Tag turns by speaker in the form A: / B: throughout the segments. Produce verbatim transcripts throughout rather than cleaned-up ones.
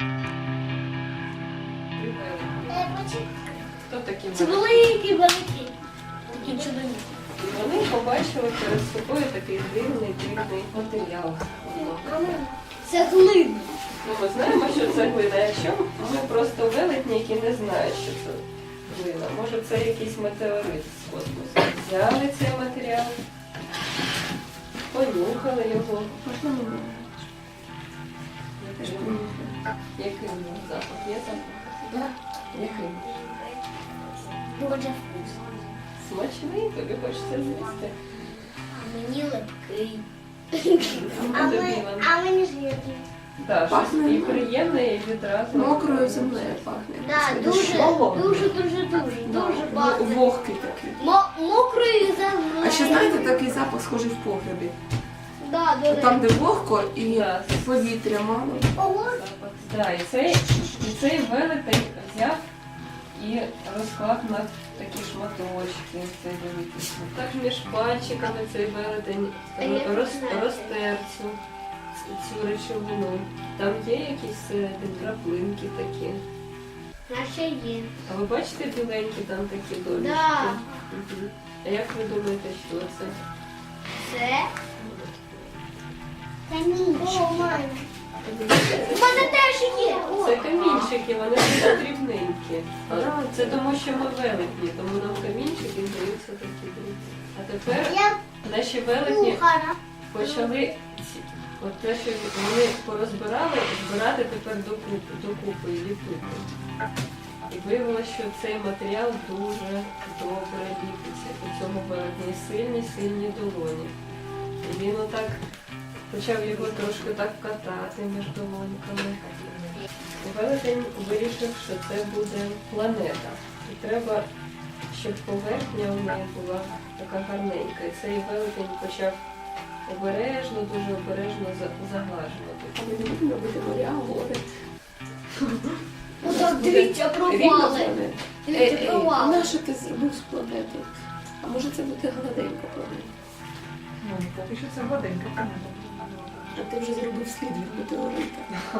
A: Хто такі
B: Це
A: великі?
B: великі, великі. Такі чудові.
A: Вони побачили перед собою такий дивний, дивний матеріал.
B: Це глина.
A: Ну, ми знаємо, що це глина. Якщо ми просто велетні, які не знають, що це глина, може це якийсь метеорит з космосу. Взяли цей матеріал, понюхали його.
C: Можна мені?
A: Який Який у нього запах? Є запах?
B: Да.
A: Який?
B: Дуже вкусно.
A: Смачний, тобі хочеться з'їсти.
B: А мені липкий.
A: А тобі, Іван?
B: А мені жирний.
A: Так,
C: Пахне
A: щось і приємне, і відразу.
C: Мокрою землею пахне.
B: Так, дуже,
A: Холодно.
B: дуже, дуже, дуже, дуже багато.
C: Вогкий такий.
B: Мо- Мокрою землею.
C: А ще знаєте, такий запах схожий в погребі.
B: Да, до
C: Там,
B: речі.
C: де вогко і
A: Да.
C: повітря мало.
B: Ого.
A: Запах. Да, і цей, і цей велетень взяв і розклав на такі шматочки. Цей великий шмат. Так між пальчиками цей велетень
B: А як ви
A: роз,
B: знаєте?
A: розтер цю, цю речовину. Там є якісь всередині краплинки такі.
B: Наче є.
A: А ви бачите біленькі там такі долічки?
B: Да.
A: Мгм. А як ви думаєте, що це?
B: Це камінчики. О, мама. У мене теж є. О.
A: Це камінчики, вони дуже дрібненькі. А Це тому, що ми велетні, тому нам камінчики здаються такі дрібні. А тепер
B: Я
A: наші велетні
B: кухара.
A: почали ці- от те, що вони порозбирали, збирати тепер докупи, докупи і ліпити. І виявилося, що цей матеріал дуже добре ліпиться. У цьому велетні сильні, сильні долоні. І він отак почав його трошки так катати між долоньками. І велетень вирішив, що це буде планета. І треба, щоб поверхня у неї була така гарненька. І цей велетень почав обережно, дуже обережно за- заглажувати.
C: А ми не будемо робити моря, гори.
B: Отак дивіться, провали.
C: Рівнопланетні.
B: Дивіться,
C: Ей, ей,
B: провали.
C: на що ти зробив з планети? А може це буде гладенька планета?
D: Ну, поки що це гладенька планета.
C: А ти вже зробив слід від метеорита.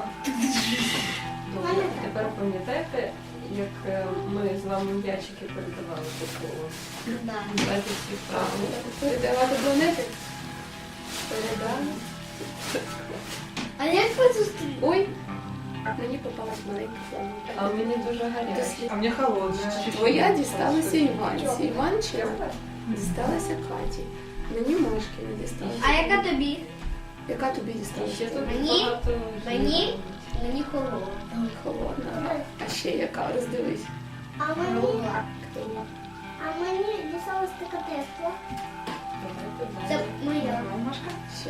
A: Добре, тепер пам'ятаєте, як е, ми з вами м'ячики передавали по колу?
B: Да.
A: Давайте всі правильно.
C: Передавати планети? Передали.
B: А як ви зустріли?
C: Ой, мені попалась маленька
A: А
C: планета.
A: мені дуже гаряче.
D: А мені холодно.
C: Твоя дісталася Іванці. Іванчина дісталася Каті. Мені Машки не дісталася.
B: А яка тобі?
C: Яка тобі
A: Ще
C: дісталася?
A: тут
B: Мені?
A: багато
B: Мені?
A: жиру.
B: Мені холодно.
C: Холодна. А ще яка? Роздивись.
E: А мені,
B: Кругла.
E: а мені дісталась така тепла.
A: Давайте
B: Це
A: далі.
B: моя.
D: Машка?
C: Ще.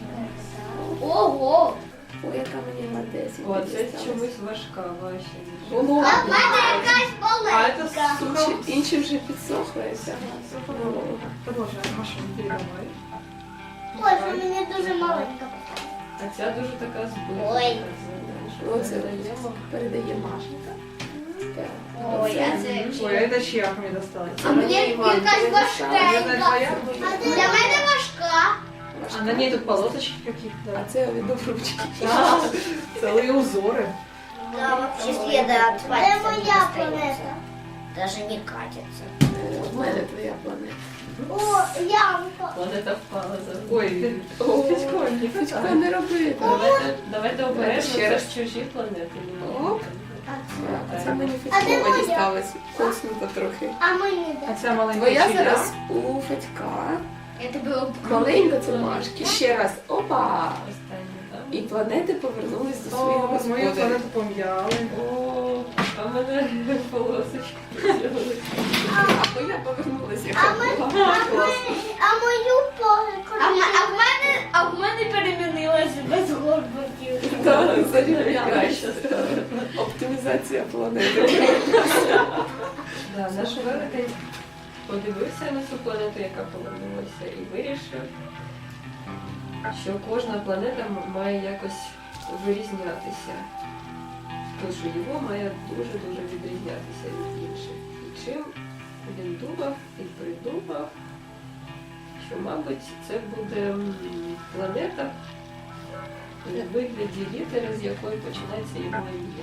B: Ого!
C: Ой, яка мені гладесенька
A: О, це
C: дісталася.
A: чомусь важка ваша.
C: Голова.
B: А в мене якась
D: А, это
B: маленька.
D: сухо.
C: Інші, інші вже підсохли і вся голова.
D: Продолжай, Маша, передавай.
E: Ось у мене дуже маленька.
A: А ця дуже така збита.
B: Ой.
C: Оце
A: Передаємо.
C: передає Машенька. Так.
B: Ой,
C: Оце-
B: а це...
D: Ой, а это чья мне досталась?
B: А мені
C: Іван,
B: якась
C: ти
B: важкенька.
D: Это твоя?
B: Для мене важка.
D: А на ней тут полосочки какие-то.
C: А це від ручки.
D: А, целые узоры.
B: Да, вообще следа от
E: Це
B: пальцев
E: моя
B: не остается.
E: планета.
B: Даже не катится.
C: В мене твоя планета.
E: О, ямка.
A: Планета впала за.
D: Ой,
C: О,
A: Федько,
C: Федько, не роби.
A: Давайте, давайте обережно,
C: ще
A: це
C: раз.
A: ж чужі планети. не
C: Оп.
A: можна.
C: Так, це мені
E: А де
C: Федькова
E: моя?
C: дісталась. Коснута трохи.
E: А мені
D: а
E: де?
D: ця маленька
C: Твоя
D: чия?
C: зараз у Федька.
B: Я тебе обкрутила.
C: Маленька це Машки. Ще раз. Опа!
A: Останнє, так?
C: І планети повернулись до своїх
D: О, мою
C: господарів.
D: планету пом'яли.
A: О, а в мене полосочки з'явилися.
C: А твоя повернулася,
E: А
C: яка
E: ми-
C: була.
E: А ми- а мою погляд.
B: А, в ме- а в мене, а в мене перемінилася без горбиків.
C: Так, зарівнялася.
A: Краще стало.
C: Оптимізація планети.
A: Да, наш велетень подивився на цю планету, яка повернулася, і вирішив, що кожна планета м- має якось вирізнятися. Тож його має дуже-дуже відрізнятися від інших. І чим він думав і придумав, що, мабуть, це буде м, планета, у вигляді літери, з якої починається його ім'я.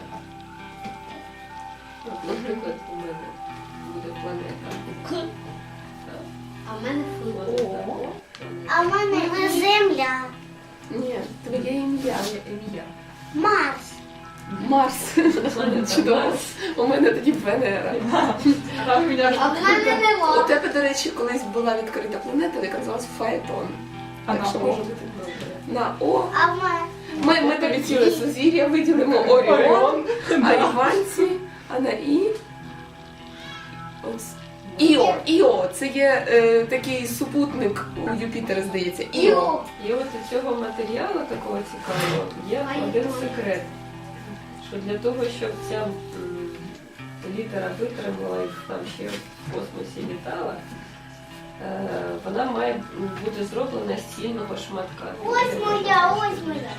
A: От, наприклад, у мене буде планета.
B: К. А в мене фу.
A: Планета О.
E: А в мене земля.
C: Ні, твоє ім'я.
A: Моє ім'я.
E: Марс.
C: Марс.
A: Планета
C: Чудово.
A: Марс.
C: У мене тоді Венера.
D: А у меня
B: А в мене
C: У
B: нема.
C: тебе, до речі, колись була відкрита планета, яка називалась Фаетон.
D: А
C: Так
D: на
C: що
D: О?
C: може бути на О.
E: А в мене.
C: Ми, ми тобі ціле сузір'я виділимо Оріон, а Іванці, а на І. Ось. Іо, Іо, це є е, такий супутник у Юпітера, здається. Іо.
A: І от у цього матеріалу такого цікавого є один секрет. Що для того, щоб ця м, літера витримала і там ще в космосі літала, е, вона має бути зроблена з цільного шматка.
E: Ось моя, ось моя.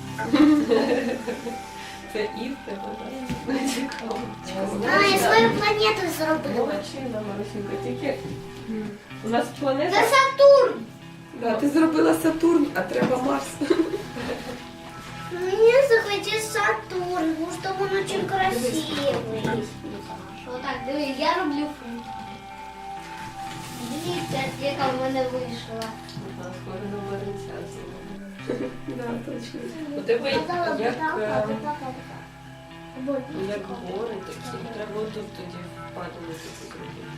A: Це і в тебе, так? Цікаво.
E: А, я свою планету зробила.
A: Молодчина, Марусінка, тільки у нас планета...
E: Це Сатурн.
C: Да, ти зробила Сатурн, а треба Марс.
E: Мені захотів Сатурн, тому що він дуже красивий.
B: Що так, дивись, я роблю фу. Дивіться, яка в мене вийшла.
A: Ага, скоро нова ініціація.
C: Да, точно.
A: У тебе як,
E: Казала,
A: е,
E: така, така, така.
A: як гори такі, треба тут тоді впадувати зробити.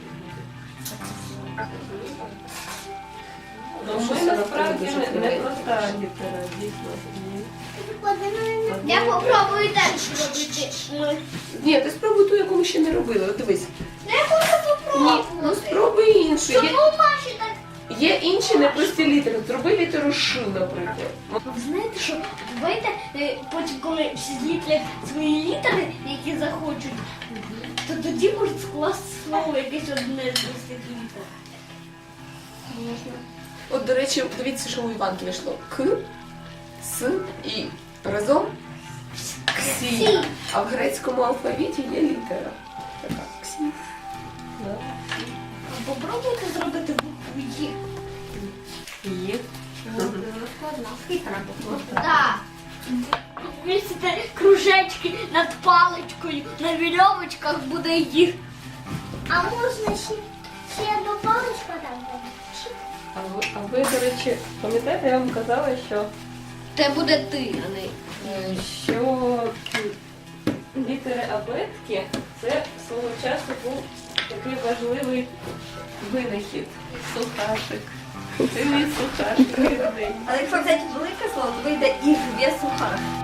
A: Ну, ми насправді не, не проста літера, дійсно. Ні.
B: Я попробую далі робити. Ой.
C: Ні, ти спробуй ту, яку ми ще не робили. От дивись.
B: Я хочу
C: Ні, ну
B: попробувати.
C: спробуй іншу. Є,
B: Чому Маші так?
C: є інші непрості літери. Зроби літеру Ш, наприклад.
B: Ви знаєте, що давайте е, потім, коли всі зліплять свої літери, які захочуть, то тоді можуть скласти слово якесь одне з цих літер.
C: Можна. От, до речі, дивіться, що у Іванки вийшло. К, С, І. Разом Ксі. А в грецькому алфавіті є літера. Така Ксі.
A: Да.
B: А попробуйте зробити букву Є.
A: Є.
B: Складна, хитра буква. Так. Вісите кружечки над паличкою, на вірьовочках буде їх.
E: А можна ще, ще одну паличку там?
A: А ви, а ви, до речі, пам'ятаєте, я вам казала, що,
B: Це буде ти, а не
A: е, що м, літери абетки це свого часу був такий важливий винахід. Сухашик. Це мій сухашик рідний.
F: Але якщо взяти велике слово, то вийде і дві сухарки.